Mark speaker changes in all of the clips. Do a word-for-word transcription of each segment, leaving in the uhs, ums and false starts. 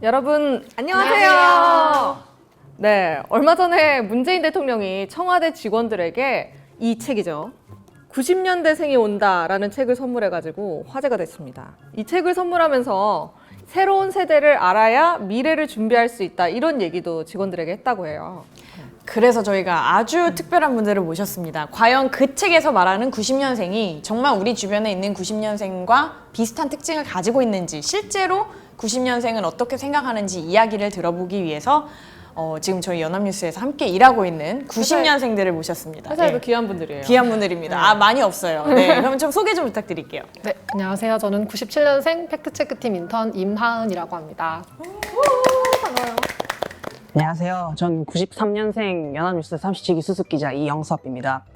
Speaker 1: 여러분 안녕하세요. 안녕하세요. 네, 얼마 전에 문재인 대통령이 청와대 직원들에게 이 책이죠. 구십 년대생이 온다라는 책을 선물해가지고 화제가 됐습니다. 이 책을 선물하면서 새로운 세대를 알아야 미래를 준비할 수 있다 이런 얘기도 직원들에게 했다고 해요.
Speaker 2: 그래서 저희가 아주 특별한 분들을 모셨습니다. 과연 그 책에서 말하는 구십 년생이 정말 우리 주변에 있는 구십 년생과 비슷한 특징을 가지고 있는지, 실제로 구십 년생은 어떻게 생각하는지 이야기를 들어보기 위해서 어, 지금 저희 연합뉴스에서 함께 일하고 있는 구십 년생들을 모셨습니다.
Speaker 1: 회사에도
Speaker 2: 네.
Speaker 1: 귀한 분들이에요.
Speaker 2: 귀한 분들입니다.
Speaker 1: 네.
Speaker 2: 아, 많이 없어요. 네, 그럼 좀 소개 좀 부탁드릴게요.
Speaker 3: 네, 안녕하세요. 저는 구십칠 년생 팩트체크팀 인턴 임하은이라고 합니다.
Speaker 1: 반가워요.
Speaker 4: 안녕하세요. 전 구십삼 년생 연합뉴스 삼십칠 기 수습기자 이영섭입니다.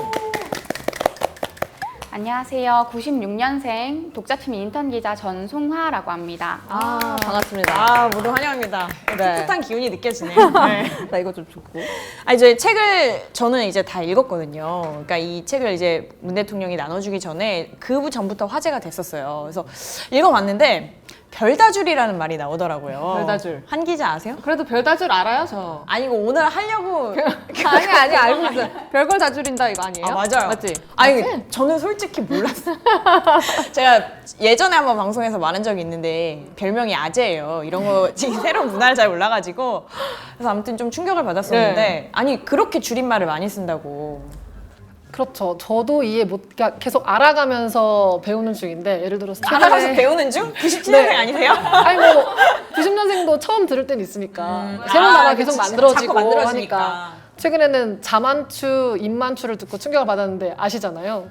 Speaker 5: 안녕하세요. 구십육 년생 독자팀 인턴 기자 전송화라고 합니다.
Speaker 1: 아, 반갑습니다.
Speaker 2: 아, 모두 환영합니다.
Speaker 1: 네.
Speaker 2: 풋풋한 기운이 느껴지네요. 네.
Speaker 1: 나 이거 좀 줬고.
Speaker 2: 아니, 저희 책을 저는 이제 다 읽었거든요. 그러니까 이 책을 이제 문 대통령이 나눠주기 전에 그 전부터 화제가 됐었어요. 그래서 읽어봤는데 별다줄이라는 말이 나오더라고요.
Speaker 1: 별다줄.
Speaker 2: 한 기자 아세요?
Speaker 1: 그래도 별다줄 알아요, 저.
Speaker 2: 아니, 이거 오늘 하려고.
Speaker 1: 아니 아니 알고 있어요. 별걸 다 줄인다 이거 아니에요?
Speaker 2: 아, 맞아요.
Speaker 1: 맞지?
Speaker 2: 아니,
Speaker 1: 맞지?
Speaker 2: 저는 솔직히 몰랐어요. 제가 예전에 한번 방송에서 말한 적이 있는데 별명이 아재예요. 이런 거 지금 새로운 문화를 잘 몰라가지고. 그래서 아무튼 좀 충격을 받았었는데
Speaker 1: 네.
Speaker 2: 아니, 그렇게 줄임말을 많이 쓴다고.
Speaker 3: 그렇죠. 저도 이해 못, 그러니까 계속 알아가면서 배우는 중인데, 예를 들어서
Speaker 2: 알아가서
Speaker 3: 최근에-
Speaker 2: 배우는 중? 구십칠 년생
Speaker 3: 네.
Speaker 2: 아니세요?
Speaker 3: 아니 뭐 구십 년생도 처음 들을 땐 있으니까 새로운
Speaker 2: 아,
Speaker 3: 단어가
Speaker 2: 그치.
Speaker 3: 계속
Speaker 2: 자꾸
Speaker 3: 만들어지고
Speaker 2: 만들어지니까.
Speaker 3: 하니까 최근에는 자만추, 입만추를 듣고 충격을 받았는데 아시잖아요.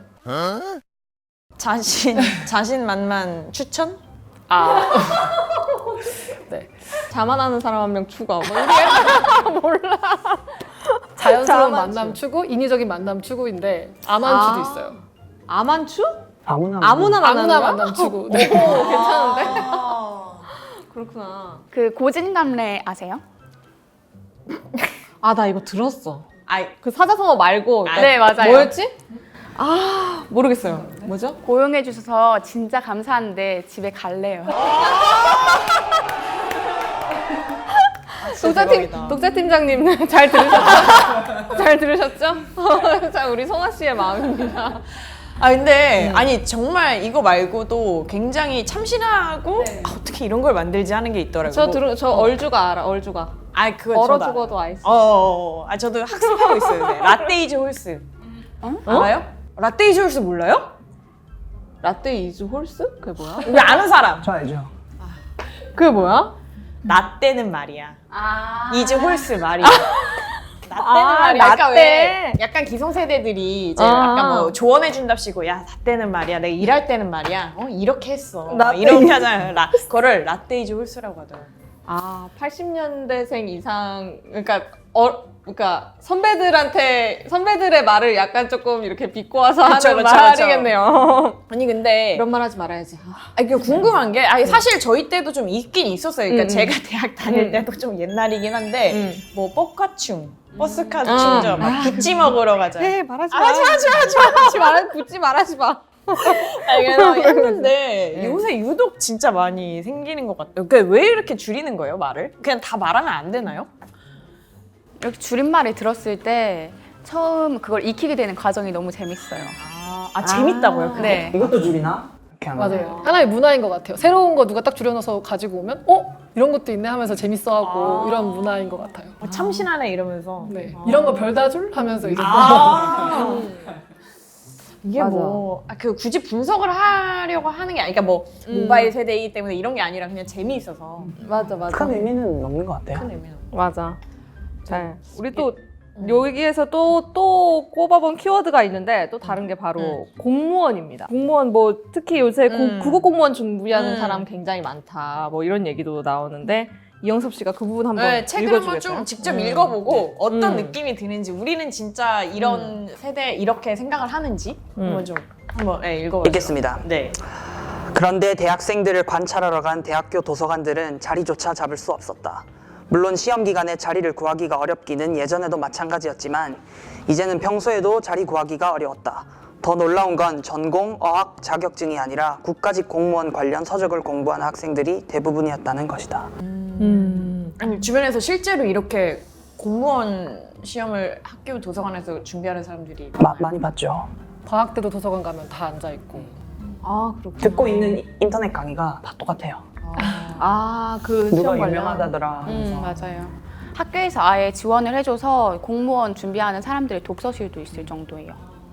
Speaker 2: 자신, 자신만만 추천?
Speaker 3: 아, 네.
Speaker 1: 자만하는 사람 한 명 추가. 뭐 이게 몰라.
Speaker 3: 자연스러운
Speaker 1: 자만추.
Speaker 3: 만남 추구, 인위적인 만남 추구인데 아만추도
Speaker 1: 아.
Speaker 3: 있어요.
Speaker 1: 아만추?
Speaker 4: 아무나
Speaker 1: 아무나 만나는
Speaker 3: 아무나
Speaker 1: 거야?
Speaker 3: 만남 추구.
Speaker 1: 오,
Speaker 3: 네.
Speaker 1: 괜찮은데?
Speaker 2: 아.
Speaker 1: 그렇구나.
Speaker 5: 그 고진감래 아세요?
Speaker 1: 아, 나 이거 들었어.
Speaker 2: 아이,
Speaker 1: 그 사자성어 말고.
Speaker 2: 아,
Speaker 5: 네, 맞아요.
Speaker 1: 뭐였지? 아, 모르겠어요. 뭐죠?
Speaker 5: 고용해 주셔서 진짜 감사한데 집에 갈래요.
Speaker 1: 독자팀,
Speaker 2: 대박이다.
Speaker 1: 독자팀장님 잘 들으셨죠? 잘 들으셨죠? 자, 우리 송아 씨의 마음입니다.
Speaker 2: 아, 근데 아니 정말 이거 말고도 굉장히 참신하고 아, 어떻게 이런 걸 만들지 하는 게 있더라고요.
Speaker 1: 저 들어, 저 얼주가 알아, 얼주가.
Speaker 2: 아, 그거
Speaker 1: 얼어
Speaker 2: 저도 알아요.
Speaker 1: 죽어도 아이스.
Speaker 2: 어, 어, 어. 아, 저도 학습하고 있어요. 네. 라떼이즈 홀스. 알아요? 라떼이즈 홀스 몰라요?
Speaker 1: 라떼 이즈 홀스? 그게 뭐야?
Speaker 2: 우리 아는 사람.
Speaker 4: 저 알죠?
Speaker 1: 그게 뭐야?
Speaker 2: 라떼는 말이야.
Speaker 5: 아.
Speaker 2: 이즈 홀스 말이야. 라떼는
Speaker 1: 아,
Speaker 2: 말이야. 약간
Speaker 1: 라떼.
Speaker 2: 왜 약간 기성세대들이 이제
Speaker 1: 아.
Speaker 2: 약간 뭐 조언해 준답시고 야, 라떼는 말이야. 내가 일할 때는 말이야. 어, 이렇게 했어. 막
Speaker 1: 라떼.
Speaker 2: 이렇게 하잖아요. 라, 그거를 라떼이즈 홀스라고 하더라고요.
Speaker 1: 아, 팔십 년대생 이상, 그러니까, 어, 그러니까 선배들한테, 선배들의 말을 약간 조금 이렇게 비꼬아서
Speaker 2: 그쵸,
Speaker 1: 하는
Speaker 2: 그쵸,
Speaker 1: 말이겠네요.
Speaker 2: 아니 근데
Speaker 1: 이런 말 하지 말아야지. 아,
Speaker 2: 아니, 그 궁금한 게, 아니, 사실 저희 때도 좀 있긴 있었어요. 그러니까
Speaker 1: 음, 음.
Speaker 2: 제가 대학 다닐
Speaker 1: 음.
Speaker 2: 때도 좀 옛날이긴 한데,
Speaker 1: 음.
Speaker 2: 뭐, 버카충, 버스카
Speaker 1: 아.
Speaker 2: 충전, 막, 부찌 먹으러 가자.
Speaker 1: 네, 말하지
Speaker 2: 아,
Speaker 1: 마.
Speaker 2: 하지 마, 하지 마, 하지 마.
Speaker 1: 하지 말아, 붙지 말하지 마.
Speaker 2: 아니, 그래서 했는데,
Speaker 1: 네.
Speaker 2: 요새 유독 진짜 많이 생기는 것 같아요. 그러니까 왜 이렇게 줄이는 거예요, 말을? 그냥 다 말하면 안 되나요?
Speaker 5: 이렇게 줄임말을 들었을 때 처음 그걸 익히게 되는 과정이 너무 재밌어요.
Speaker 2: 아, 아 재밌다고요? 그게?
Speaker 5: 네.
Speaker 4: 이것도 줄이나? 이렇게 하면.
Speaker 3: 맞아요. 하나의 문화인 것 같아요. 새로운 거 누가 딱 줄여넣어서 가지고 오면 어? 이런 것도 있네 하면서 재밌어하고
Speaker 2: 아.
Speaker 3: 이런 문화인 것 같아요.
Speaker 2: 어, 참신하네, 이러면서.
Speaker 3: 네. 이런 거 별다줄 하면서 이제
Speaker 2: 아. 이게
Speaker 1: 맞아.
Speaker 2: 뭐, 아, 그 굳이 분석을 하려고 하는 게 아니니까 뭐,
Speaker 1: 음.
Speaker 2: 모바일 세대이기 때문에 이런 게 아니라 그냥 재미있어서.
Speaker 1: 맞아, 맞아.
Speaker 4: 큰 의미는 없는 것 같아요.
Speaker 2: 큰 의미는.
Speaker 1: 맞아. 잘. 우리 또 여기에서 또, 또 꼽아본 키워드가 있는데 또 다른 게 바로 공무원입니다. 공무원 뭐 특히 요새 고-
Speaker 2: 음.
Speaker 1: 국어 공무원 준비하는
Speaker 2: 음.
Speaker 1: 사람 굉장히 많다. 뭐 이런 얘기도 나오는데 이영섭 씨가 그 부분 한번
Speaker 2: 네, 책을 한번
Speaker 1: 읽어주겠어요?
Speaker 2: 좀 직접
Speaker 1: 음.
Speaker 2: 읽어보고 어떤
Speaker 1: 음.
Speaker 2: 느낌이 드는지, 우리는 진짜 이런 세대 이렇게 생각을 하는지
Speaker 1: 음.
Speaker 2: 한번 좀 한번 네, 읽어봐요.
Speaker 4: 읽겠습니다.
Speaker 2: 네.
Speaker 4: 그런데 대학생들을 관찰하러 간 대학교 도서관들은 자리조차 잡을 수 없었다. 물론 시험 기간에 자리를 구하기가 어렵기는 예전에도 마찬가지였지만 이제는 평소에도 자리 구하기가 어려웠다. 더 놀라운 건 전공, 어학 자격증이 아니라 국가직 공무원 관련 서적을 공부하는 학생들이 대부분이었다는 것이다.
Speaker 2: 음.
Speaker 1: 음.
Speaker 2: 아니 주변에서 실제로 이렇게 공무원 시험을 학교 도서관에서 준비하는 사람들이
Speaker 4: 마, 많이 봤죠.
Speaker 3: 방학 때도 도서관 가면 다 앉아 있고.
Speaker 2: 아 그렇구나.
Speaker 4: 듣고 있는 인터넷 강의가 다 똑같아요.
Speaker 5: 아, 그
Speaker 4: 누가
Speaker 5: 시험 관련.
Speaker 4: 유명하다더라 하면서.
Speaker 5: 음, 맞아요. 학교에서 아예 지원을 해줘서 공무원 준비하는 사람들의 독서실도 있을 정도예요.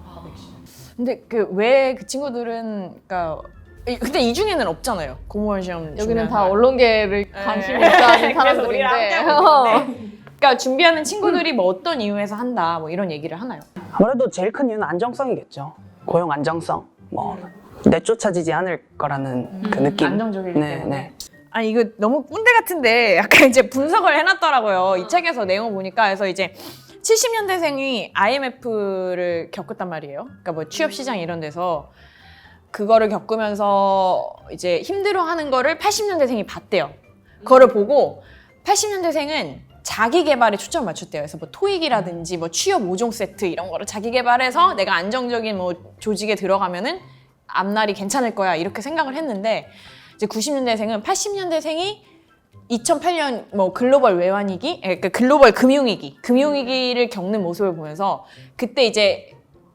Speaker 2: 근데 그 왜 그 친구들은 그러니까 이- 근데 이 중에는 없잖아요. 공무원 시험
Speaker 1: 여기는
Speaker 2: 준비하는
Speaker 1: 다
Speaker 2: 사람.
Speaker 1: 언론계를
Speaker 2: 네.
Speaker 1: 관심이 있다는
Speaker 2: 그래서 우리랑
Speaker 1: 사람들인데.
Speaker 2: 함께하고 있는데. 그러니까 준비하는 친구들이 뭐 어떤 이유에서 한다 뭐 이런 얘기를 하나요?
Speaker 4: 아무래도 제일 큰 이유는 안정성이겠죠. 고용 안정성. 뭐 내쫓아지지 않을 거라는 그 느낌.
Speaker 2: 안정적이기
Speaker 4: 네,
Speaker 2: 때문에.
Speaker 4: 네.
Speaker 2: 아니 이거 너무 꼰대 같은데 약간 이제 분석을 해놨더라고요. 이 책에서 내용 보니까 그래서 이제 칠십 년대생이 아이엠에프를 겪었단 말이에요. 그러니까 뭐 취업 시장 이런 데서 그거를 겪으면서 이제 힘들어하는 거를 팔십 년대생이 봤대요. 그거를 보고 팔십 년대생은 자기 개발에 초점을 맞췄대요. 그래서 뭐 토익이라든지 뭐 취업 오 종 세트 이런 거를 자기 개발해서 내가 안정적인 뭐 조직에 들어가면은 앞날이 괜찮을 거야 이렇게 생각을 했는데 이제 구십 년대생은 팔십 년대생이 이천팔 년 뭐 글로벌 외환위기, 그러니까 글로벌 금융위기, 금융위기를 겪는 모습을 보면서 그때 이제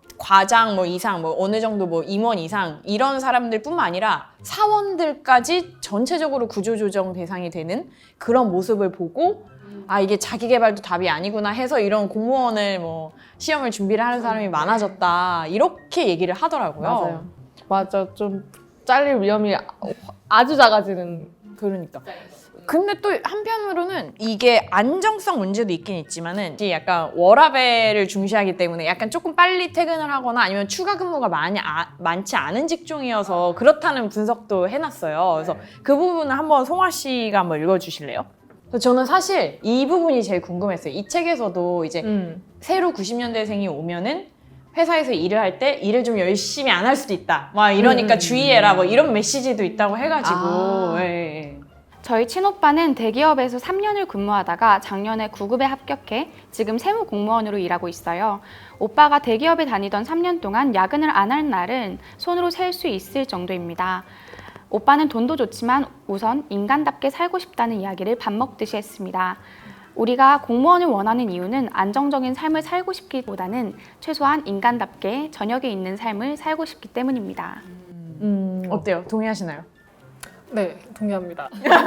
Speaker 2: 과장 뭐 이상, 뭐 어느 정도 뭐 임원 이상 이런 사람들뿐만 아니라 사원들까지 전체적으로 구조조정 대상이 되는 그런 모습을 보고 아 이게 자기 개발도 답이 아니구나 해서 이런 공무원을 뭐 시험을 준비를 하는 사람이 많아졌다 이렇게 얘기를 하더라고요.
Speaker 1: 맞아요. 맞아. 좀 잘릴 위험이 아주 작아지는.
Speaker 2: 그러니까. 근데 또 한편으로는 이게 안정성 문제도 있긴 있지만은 이게 약간 워라밸을 중시하기 때문에 약간 조금 빨리 퇴근을 하거나 아니면 추가 근무가 많이 아, 많지 않은 직종이어서 그렇다는 분석도 해놨어요. 그래서 그 부분을 한번 송아 씨가 한번 읽어주실래요? 그래서 저는 사실 이 부분이 제일 궁금했어요. 이 책에서도 이제
Speaker 1: 음.
Speaker 2: 새로 구십 년대생이 오면은 회사에서 일을 할 때 일을 좀 열심히 안 할 수도 있다. 막 이러니까
Speaker 1: 음.
Speaker 2: 주의해라. 뭐 이런 메시지도 있다고 해가지고.
Speaker 1: 아.
Speaker 2: 예, 예.
Speaker 5: 저희 친오빠는 대기업에서 삼 년을 근무하다가 작년에 구급에 합격해 지금 세무 공무원으로 일하고 있어요. 오빠가 대기업에 다니던 삼 년 동안 야근을 안 할 날은 손으로 셀 수 있을 정도입니다. 오빠는 돈도 좋지만 우선 인간답게 살고 싶다는 이야기를 밥 먹듯이 했습니다. 우리가 공무원을 원하는 이유는 안정적인 삶을 살고 싶기보다는 최소한 인간답게 저녁에 있는 삶을 살고 싶기 때문입니다.
Speaker 2: 음, 어때요? 동의하시나요?
Speaker 3: 네, 동의합니다.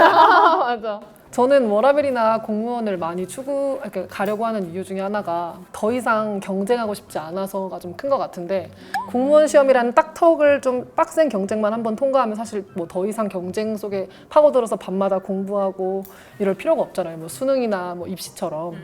Speaker 3: 맞아. 저는 워라밸이나 공무원을 많이 추구, 이렇게 가려고 하는 이유 중에 하나가 더 이상 경쟁하고 싶지 않아서가 좀 큰 것 같은데 공무원 시험이라는 딱 턱을 좀 빡센 경쟁만 한번 통과하면 사실 뭐 더 이상 경쟁 속에 파고들어서 밤마다 공부하고 이럴 필요가 없잖아요. 뭐 수능이나 뭐 입시처럼.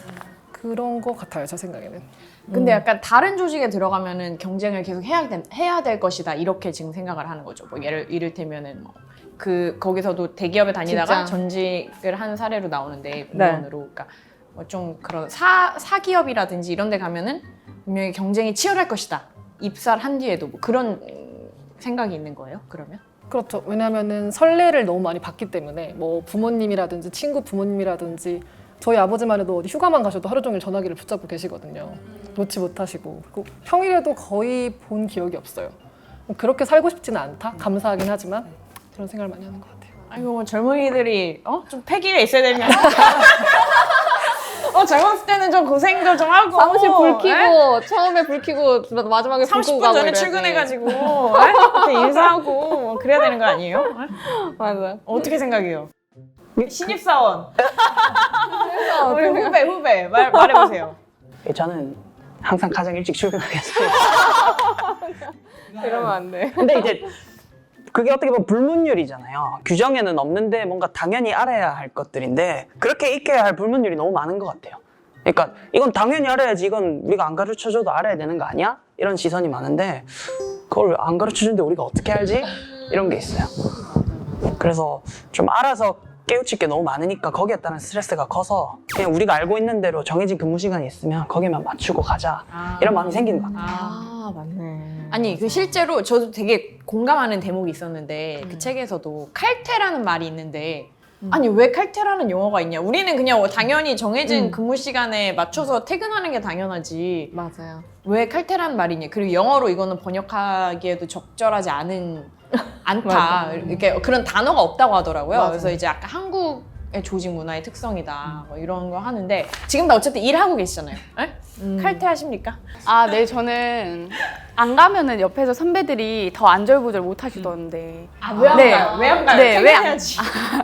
Speaker 3: 그런 것 같아요, 제 생각에는.
Speaker 2: 근데 약간 다른 조직에 들어가면은 경쟁을 계속 해야, 된, 해야 될 것이다. 이렇게 지금 생각을 하는 거죠. 뭐 예를, 이를테면은 뭐 그 거기서도 대기업에 다니다가
Speaker 1: 진짜.
Speaker 2: 전직을 한 사례로 나오는데 공무원으로. 그러니까 뭐 좀 그런 사, 사기업이라든지 이런 데 가면은 분명히 경쟁이 치열할 것이다. 입사를 한 뒤에도 뭐 그런 생각이 있는 거예요, 그러면?
Speaker 3: 그렇죠. 왜냐하면은 설레를 너무 많이 받기 때문에 뭐 부모님이라든지 친구 부모님이라든지 저희 아버지만 해도 어디 휴가만 가셔도 하루 종일 전화기를 붙잡고 계시거든요. 놓지 못하시고. 그리고 평일에도 거의 본 기억이 없어요. 그렇게 살고 싶지는 않다? 감사하긴 하지만 그런 생각을 많이 하는 것 같아요.
Speaker 2: 아이고 뭐 젊은이들이 어? 좀 패기가 있어야 되면 어 젊었을 때는 좀 고생도 좀 하고
Speaker 1: 사무실 불 켜고
Speaker 2: 에?
Speaker 1: 처음에 불 켜고 마지막에 불
Speaker 2: 삼십
Speaker 1: 끄고
Speaker 2: 분
Speaker 1: 가고
Speaker 2: 전에
Speaker 1: 이래야지.
Speaker 2: 출근해가지고 에? 이렇게 인사하고 뭐 그래야 되는 거 아니에요? 에?
Speaker 1: 맞아.
Speaker 2: 어떻게 생각해요? 신입사원 우리 후배 후배 말, 말해보세요.
Speaker 4: 저는 항상 가장 일찍 출근하겠어요.
Speaker 1: 이러면 안 돼.
Speaker 4: 근데 이제 그게 어떻게 보면 불문율이잖아요. 규정에는 없는데 뭔가 당연히 알아야 할 것들인데 그렇게 익혀야 할 불문율이 너무 많은 것 같아요. 그러니까 이건 당연히 알아야지, 이건 우리가 안 가르쳐줘도 알아야 되는 거 아니야? 이런 시선이 많은데 그걸 안 가르쳐주는데 우리가 어떻게 알지? 이런 게 있어요. 그래서 좀 알아서 깨우칠 게 너무 많으니까 거기에 따른 스트레스가 커서 그냥 우리가 알고 있는 대로 정해진 근무 시간이 있으면 거기만 맞추고 가자, 이런 마음이 생기는 것 같아요.
Speaker 2: 아 맞네. 아니 그 실제로 저도 되게 공감하는 대목이 있었는데 그 책에서도 칼퇴라는 말이 있는데 아니 왜 칼퇴라는 용어가 있냐? 우리는 그냥 당연히 정해진
Speaker 1: 음.
Speaker 2: 근무 시간에 맞춰서 퇴근하는 게 당연하지.
Speaker 1: 맞아요.
Speaker 2: 왜 칼퇴라는 말이냐? 그리고 영어로 이거는 번역하기에도 적절하지 않은 않다.
Speaker 1: 맞아.
Speaker 2: 이렇게 그런 단어가 없다고 하더라고요.
Speaker 1: 맞아.
Speaker 2: 그래서 이제 아까 한국 조직 문화의 특성이다. 뭐 이런 거 하는데 지금 다 어쨌든 일하고 계시잖아요. 에? 칼퇴하십니까?
Speaker 5: 아, 네, 저는 안 가면은 옆에서 선배들이 더 안절부절 못 하시던데.
Speaker 2: 왜 안
Speaker 5: 네.
Speaker 2: 가요? 왜 안 가요?
Speaker 5: 네, 왜 안-
Speaker 2: 퇴근해야지.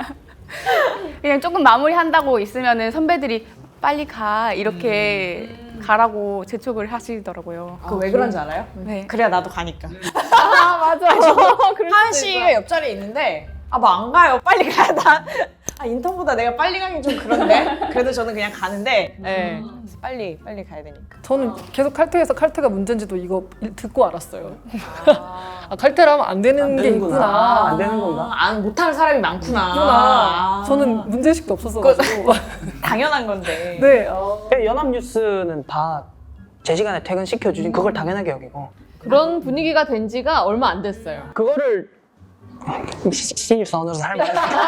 Speaker 5: 그냥 조금 마무리한다고 있으면은 선배들이 빨리 가 이렇게 가라고 재촉을 하시더라고요.
Speaker 2: 그 왜 그런지 알아요?
Speaker 5: 네.
Speaker 2: 그래야 나도 가니까.
Speaker 1: 아 맞아.
Speaker 2: 하은 씨가 옆자리에 있는데 아 뭐 안 가요. 빨리 가야 나. 아 인턴보다 내가 빨리 가긴 좀 그런데 그래도 저는 그냥 가는데 네. 빨리 빨리 가야 되니까.
Speaker 3: 저는 계속 칼퇴해서 칼퇴가 문제인지도 이거 일- 듣고 알았어요. 아, 칼퇴를 하면 안 되는 게
Speaker 4: 되는구나.
Speaker 3: 있구나.
Speaker 4: 안 되는 건가?
Speaker 2: 아, 안 못하는 사람이 많구나.
Speaker 3: 있구나.
Speaker 2: 아,
Speaker 3: 저는 문제의식도 없었어가지고.
Speaker 2: 당연한 건데.
Speaker 3: 네. 어.
Speaker 4: 연합뉴스는 다 제 시간에 퇴근 시켜주신 그걸 당연하게 여기고
Speaker 1: 그런 분위기가 된 지가 얼마 안 됐어요.
Speaker 4: 그거를 시- 신입사원으로 살면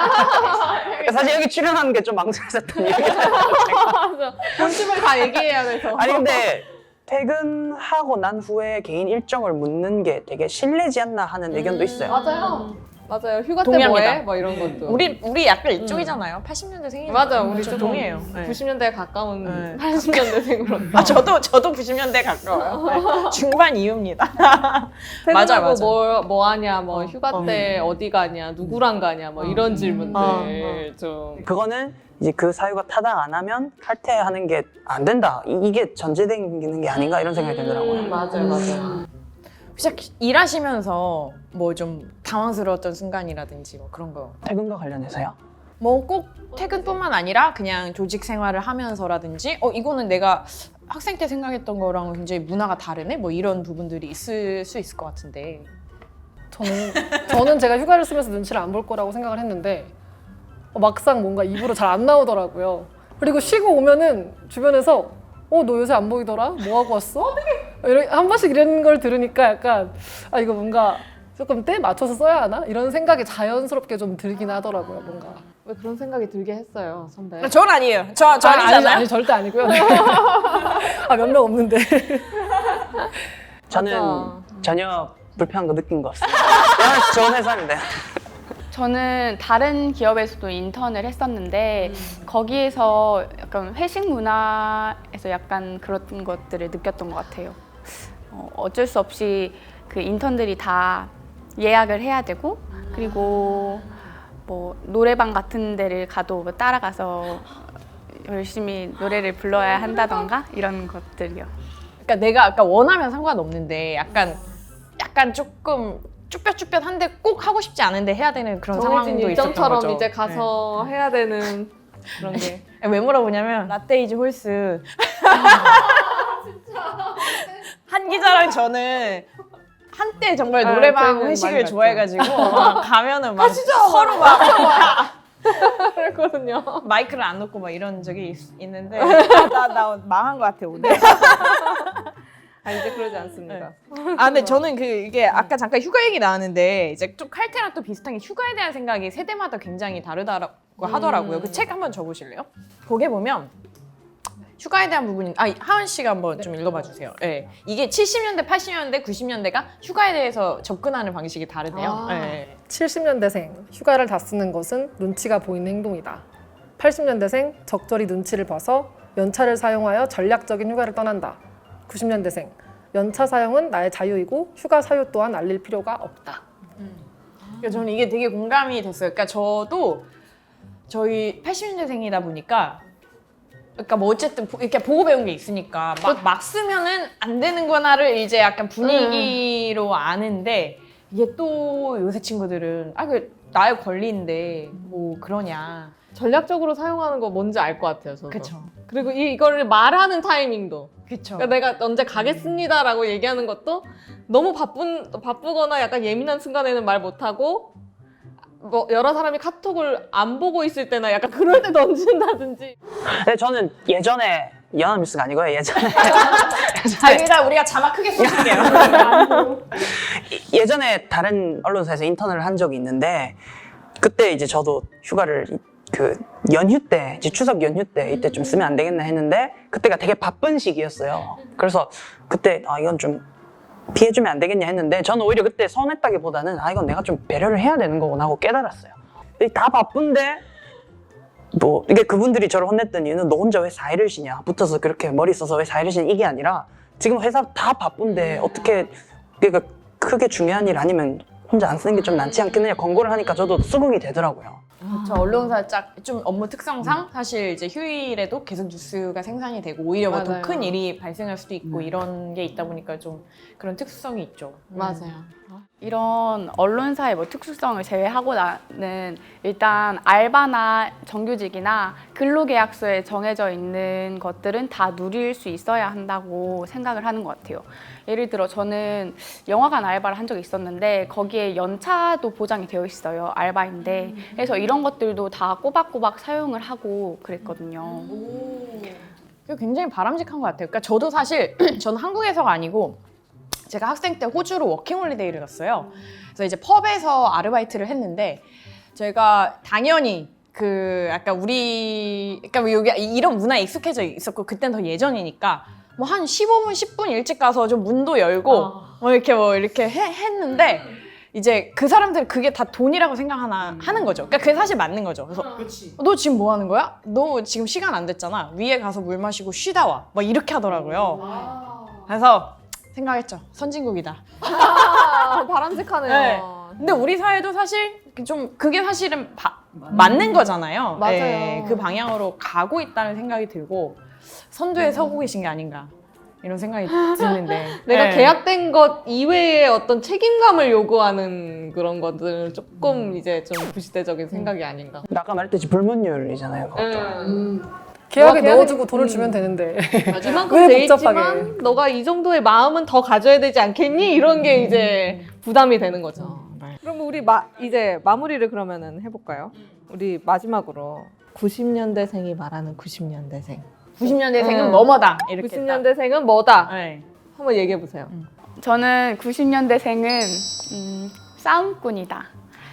Speaker 4: 사실 여기 출연하는 게 좀 망설여졌던 이유가
Speaker 1: 맞아. 본심을 다 얘기해야 돼서.
Speaker 4: 아니 근데 퇴근하고 난 후에 개인 일정을 묻는 게 되게 실례지 않나 하는 의견도 있어요.
Speaker 1: 맞아요. 맞아요. 휴가 때
Speaker 2: 동의합니다.
Speaker 1: 뭐해? 뭐 이런 것도.
Speaker 2: 우리 우리 약간 이쪽이잖아요. 팔십 년대 생이죠.
Speaker 1: 맞아. 우리
Speaker 2: 저
Speaker 1: 좀
Speaker 2: 동의해요. 네.
Speaker 1: 구십 년대에 가까운
Speaker 2: 네.
Speaker 1: 팔십 년대생으로.
Speaker 2: 아 저도 저도 구십 년대 가까워요. 네. 중반 이후입니다. 맞아
Speaker 1: 퇴근하고
Speaker 2: 맞아.
Speaker 1: 뭐, 뭐 하냐, 뭐
Speaker 2: 어,
Speaker 1: 휴가
Speaker 2: 어.
Speaker 1: 때 어디 가냐, 누구랑 가냐, 뭐 이런 질문들
Speaker 2: 어,
Speaker 1: 좀.
Speaker 4: 그거는 이제 그 사유가 타당 안 하면 칼퇴하는 게 안 된다. 이- 이게 전제되는 게 아닌가 이런 생각이 들더라고요.
Speaker 1: 음, 맞아요, 맞아요.
Speaker 2: 혹시 일하시면서 뭐 좀 당황스러웠던 순간이라든지 뭐 그런 거.
Speaker 4: 퇴근과 관련해서요?
Speaker 2: 뭐 꼭 퇴근뿐만 아니라 그냥 조직 생활을 하면서라든지 어 이거는 내가 학생 때 생각했던 거랑 굉장히 문화가 다르네 뭐 이런 부분들이 있을 수 있을 것 같은데.
Speaker 3: 저는 저는 제가 휴가를 쓰면서 눈치를 안 볼 거라고 생각을 했는데 어, 막상 뭔가 입으로 잘 안 나오더라고요. 그리고 쉬고 오면은 주변에서 어 너 요새 안 보이더라? 뭐 하고 왔어? 이런 한 번씩 이런 걸 들으니까 약간 아 이거 뭔가 조금 때 맞춰서 써야 하나? 이런 생각이 자연스럽게 좀 들긴 하더라고요, 뭔가.
Speaker 1: 왜 그런 생각이 들게 했어요, 선배?
Speaker 2: 전 아니에요. 저, 저
Speaker 3: 아, 아니,
Speaker 2: 아니잖아요.
Speaker 3: 아니 절대 아니고요. 아 몇 명 없는데.
Speaker 4: 저는
Speaker 1: 맞아.
Speaker 4: 전혀 불편한 거 느낀 것 같습니다. 영화 씨 좋은 회사인데.
Speaker 5: 저는 다른 기업에서도 인턴을 했었는데 거기에서 약간 회식 문화에서 약간 그런 것들을 느꼈던 것 같아요. 어, 어쩔 수 없이 그 인턴들이 다 예약을 해야 되고 그리고 뭐 노래방 같은 데를 가도 뭐 따라가서 열심히 노래를 불러야 한다던가 이런 것들이요.
Speaker 2: 그러니까 내가 아까 원하면 상관없는데 약간 약간 조금 쭈뼛쭈뼛한데 꼭 하고 싶지 않은데 해야 되는 그런
Speaker 1: 정해진
Speaker 2: 상황도 있었던
Speaker 1: 일정처럼
Speaker 2: 거죠.
Speaker 1: 이제 가서 해야 되는 그런 게.
Speaker 2: 네. 왜 물어보냐면 라떼이즈 홀스 한 기자랑 저는 한때 정말
Speaker 1: 아,
Speaker 2: 노래방
Speaker 1: 저희는 많이
Speaker 2: 회식을
Speaker 1: 갔죠.
Speaker 2: 좋아해가지고 막 가면은 막 서로 막
Speaker 1: 그랬거든요.
Speaker 2: 마이크를 안 놓고 막 이런 적이 있, 있는데 나, 나 망한 것 같아 오늘.
Speaker 1: 아, 이제 그러지 않습니다.
Speaker 2: 아 근데 저는 그 이게 아까 잠깐 휴가 얘기 나왔는데 이제 좀 칼퇴랑 또 비슷한 게 휴가에 대한 생각이 세대마다 굉장히 다르다고 하더라고요. 그 책 한번 줘보실래요? 거기에 보면 휴가에 대한 부분이 아 하은 씨가 한번 좀 읽어봐 주세요. 네. 이게 칠십 년대, 팔십 년대, 구십 년대가 휴가에 대해서 접근하는 방식이 다르대요.
Speaker 1: 아.
Speaker 2: 네.
Speaker 3: 칠십 년대생 휴가를 다 쓰는 것은 눈치가 보이는 행동이다. 팔십 년대생 적절히 눈치를 봐서 연차를 사용하여 전략적인 휴가를 떠난다. 구십 년대생 연차 사용은 나의 자유이고 휴가 사유 또한 알릴 필요가 없다.
Speaker 2: 그러니까 저는 이게 되게 공감이 됐어요. 그러니까 저도 저희 팔십 년대생이다 보니까 그러니까 뭐 어쨌든 보- 이렇게 보고 배운 게 있으니까 막, 막 쓰면은 안 되는구나를 이제 약간 분위기로 아는데 이게 또 요새 친구들은 아 그 나의 권리인데 뭐 그러냐.
Speaker 1: 전략적으로 사용하는 거 뭔지 알 것 같아요, 저도.
Speaker 2: 그쵸.
Speaker 1: 그리고 이, 이거를 말하는 타이밍도.
Speaker 2: 그쵸.
Speaker 1: 그러니까 내가 언제 가겠습니다라고 얘기하는 것도 너무 바쁜 바쁘거나 약간 예민한 순간에는 말 못하고 뭐 여러 사람이 카톡을 안 보고 있을 때나 약간 그럴 때 던진다든지.
Speaker 4: 근데 저는 예전에 연합뉴스가 아니고요. 예전에
Speaker 2: 자, 여기다 우리가 자막 크게 써줄게요.
Speaker 4: 예전에 다른 언론사에서 인턴을 한 적이 있는데 그때 이제 저도 휴가를 이- 그 연휴 때 이제 추석 연휴 때 이때 좀 쓰면 안 되겠나 했는데 그때가 되게 바쁜 시기였어요. 그래서 그때 아 이건 좀 피해주면 안 되겠냐 했는데 저는 오히려 그때 서운했다기보다는 아 이건 내가 좀 배려를 해야 되는 거구나 하고 깨달았어요. 다 바쁜데 뭐 이게 그분들이 저를 혼냈던 이유는 너 혼자 왜 사회를 쉬냐, 붙어서 그렇게 머리 써서 왜 사회를 쉬냐, 이게 아니라 지금 회사 다 바쁜데 어떻게, 그러니까 크게 중요한 일 아니면 혼자 안 쓰는 게 좀 낫지 않겠느냐 권고를 하니까 저도 수긍이 되더라고요.
Speaker 2: 저 언론사 짝 좀 업무 특성상 사실 이제 휴일에도 계속 뉴스가 생산이 되고 오히려 뭐 더
Speaker 1: 맞아요.
Speaker 2: 큰 일이 발생할 수도 있고 이런 게 있다 보니까 좀 그런 특수성이 있죠.
Speaker 1: 맞아요.
Speaker 5: 이런 언론사의 뭐 특수성을 제외하고 나는 일단 알바나 정규직이나 근로계약서에 정해져 있는 것들은 다 누릴 수 있어야 한다고 생각을 하는 것 같아요. 예를 들어 저는 영화관 알바를 한 적이 있었는데 거기에 연차도 보장이 되어 있어요. 알바인데. 그래서 이런 것들도 다 꼬박꼬박 사용을 하고 그랬거든요.
Speaker 2: 그게 굉장히 바람직한 것 같아요. 그러니까 저도 사실 저는 한국에서가 아니고 제가 학생 때 호주로 워킹홀리데이를 갔어요. 그래서 이제 펍에서 아르바이트를 했는데 저희가 당연히 그 약간 우리 그러니까 뭐 여기 이런 문화에 익숙해져 있었고 그땐 더 예전이니까 뭐 한 십오 분, 십 분 일찍 가서 좀 문도 열고 뭐 이렇게 뭐 이렇게 해, 했는데 이제 그 사람들은 그게 다 돈이라고 생각하나 하는 거죠. 그러니까 그게 사실 맞는 거죠. 그래서 너 지금 뭐 하는 거야? 너 지금 시간 안 됐잖아. 위에 가서 물 마시고 쉬다 와. 막 이렇게 하더라고요. 그래서 생각했죠. 선진국이다.
Speaker 1: 아, 바람직하네요.
Speaker 2: 네. 근데 우리 사회도 사실 좀 그게 사실은 바, 맞는 거잖아요.
Speaker 1: 맞아요.
Speaker 2: 네, 그 방향으로 가고 있다는 생각이 들고 선두에 서고 계신 게 아닌가 이런 생각이 드는데
Speaker 1: 내가
Speaker 2: 네.
Speaker 1: 계약된 것 이외의 어떤 책임감을 요구하는 그런 것들은 조금 이제 좀 부시대적인 생각이 아닌가.
Speaker 4: 아까 말했듯이 불문율이잖아요. 그것도.
Speaker 3: 계약에
Speaker 1: 계약에-
Speaker 3: 넣어주고 돈을
Speaker 1: 음.
Speaker 3: 주면 되는데
Speaker 1: 이만큼
Speaker 3: 왜
Speaker 1: 돼
Speaker 3: 복잡하게.
Speaker 1: 있지만 너가 이 정도의 마음은 더 가져야 되지 않겠니? 이런 게 이제 부담이 되는 거죠. 그럼 우리 마, 이제 마무리를 그러면은 해볼까요? 우리 마지막으로 구십 년대생이 말하는 구십 년대생.
Speaker 2: 구십 년대생은
Speaker 1: 음.
Speaker 2: 뭐뭐다 이렇게
Speaker 1: 구십 년대생은 뭐다?
Speaker 2: 딱. 네.
Speaker 1: 한번 얘기해 보세요.
Speaker 5: 저는 구십 년대생은 음, 싸움꾼이다.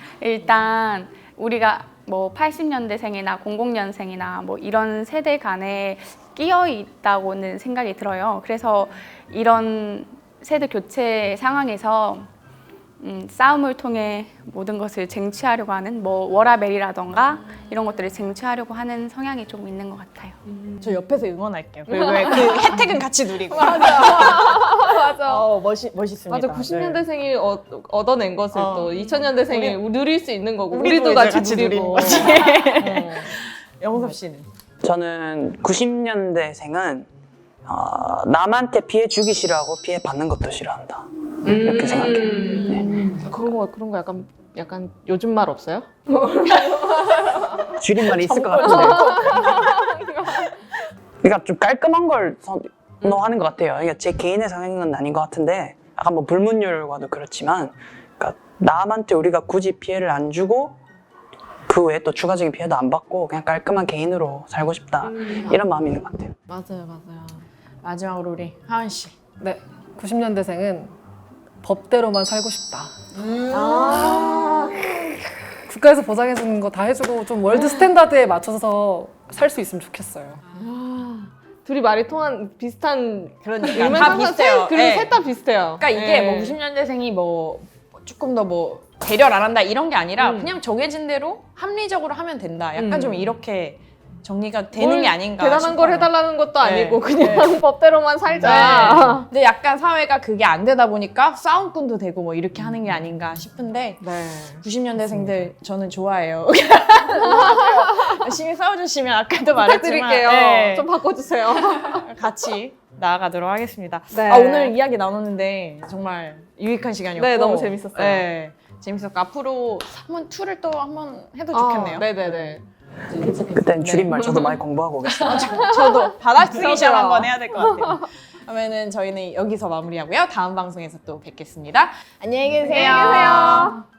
Speaker 5: 일단 우리가 뭐 팔십 년대생이나 공공 년생이나 뭐 이런 세대 간에 끼어 있다고는 생각이 들어요. 그래서 이런 세대 교체 상황에서 음, 싸움을 통해 모든 것을 쟁취하려고 하는 뭐 워라벨이라던가 이런 것들을 쟁취하려고 하는 성향이 좀 있는 것 같아요.
Speaker 2: 저 옆에서 응원할게요. 그, 그, 그 혜택은 같이 누리고.
Speaker 1: 맞아.
Speaker 2: 어, 멋있, 멋있습니다.
Speaker 1: 맞아. 구십
Speaker 2: 네.
Speaker 1: 년대생이 어, 얻어낸 것을
Speaker 2: 어.
Speaker 1: 또 이천 년대생이 누릴 수 있는 거고
Speaker 2: 우리도
Speaker 1: 우리도,
Speaker 2: 이제
Speaker 1: 같이,
Speaker 2: 같이
Speaker 1: 누리고.
Speaker 2: 누리는
Speaker 1: 어.
Speaker 2: 영섭 씨는?
Speaker 4: 저는 구십 년대생은 어, 남한테 피해 주기 싫어하고 피해 받는 것도 싫어한다. 이렇게 생각해요. 네.
Speaker 1: 그런 거 그런 거 약간 약간 요즘 말 없어요?
Speaker 4: 줄임말이 있을 것 같은데. 그러니까 좀 깔끔한 걸 선호하는 것 같아요. 그러니까 제 개인의 성향은 아닌 것 같은데, 아까 뭐 불문율과도 그렇지만, 그러니까 남한테 우리가 굳이 피해를 안 주고 그 외에 또 추가적인 피해도 안 받고 그냥 깔끔한 개인으로 살고 싶다, 이런 마음이 있는 것 같아요.
Speaker 1: 맞아요, 맞아요.
Speaker 2: 마지막으로 우리 하은 씨.
Speaker 3: 네, 구십 년대생은 법대로만 살고 싶다.
Speaker 1: 아,
Speaker 3: 국가에서 보장해주는 거 다 해주고 좀 월드 스탠다드에 맞춰서 살 수 있으면 좋겠어요.
Speaker 1: 둘이 말이 통한 비슷한
Speaker 2: 그러니까
Speaker 1: 의미는
Speaker 2: 다
Speaker 1: 항상
Speaker 2: 비슷해요.
Speaker 1: 셋- 그리고
Speaker 2: 네.
Speaker 1: 셋 다 비슷해요.
Speaker 2: 그러니까 이게
Speaker 1: 네.
Speaker 2: 뭐 구십 년대생이 뭐 조금 더 뭐 배려를 안 한다 이런 게 아니라
Speaker 1: 음.
Speaker 2: 그냥 정해진 대로 합리적으로 하면 된다. 약간
Speaker 1: 음.
Speaker 2: 좀 이렇게 정리가 되는
Speaker 1: 뭘
Speaker 2: 게 아닌가
Speaker 1: 대단한
Speaker 2: 싶어요.
Speaker 1: 걸 해달라는 것도
Speaker 2: 네.
Speaker 1: 아니고 그냥 법대로만 살자.
Speaker 2: 네. 근데 약간 사회가 그게 안 되다 보니까 싸움꾼도 되고 뭐 이렇게 하는 게 아닌가 싶은데
Speaker 1: 네.
Speaker 2: 구십 년대생들 저는 좋아해요. 열심히 싸워주시면 아까도 말했지만
Speaker 1: 부탁드릴게요.
Speaker 2: 네,
Speaker 1: 좀 바꿔주세요.
Speaker 2: 같이 나아가도록 하겠습니다.
Speaker 1: 네.
Speaker 2: 아, 오늘 이야기 나눴는데 정말 유익한 시간이었고
Speaker 1: 네, 너무 재밌었어요.
Speaker 2: 네, 재밌었고 앞으로 한번 이를 또 한번 해도 좋겠네요.
Speaker 1: 아, 네네네.
Speaker 4: 그땐 줄임말 저도 많이 공부하고 오겠습니다.
Speaker 2: 저도 받아쓰기 시험
Speaker 1: 저도요.
Speaker 2: 한번 해야 될 것 같아요. 그러면은 저희는 여기서 마무리하고요. 다음 방송에서 또 뵙겠습니다. 안녕히 계세요.
Speaker 1: 안녕히 계세요.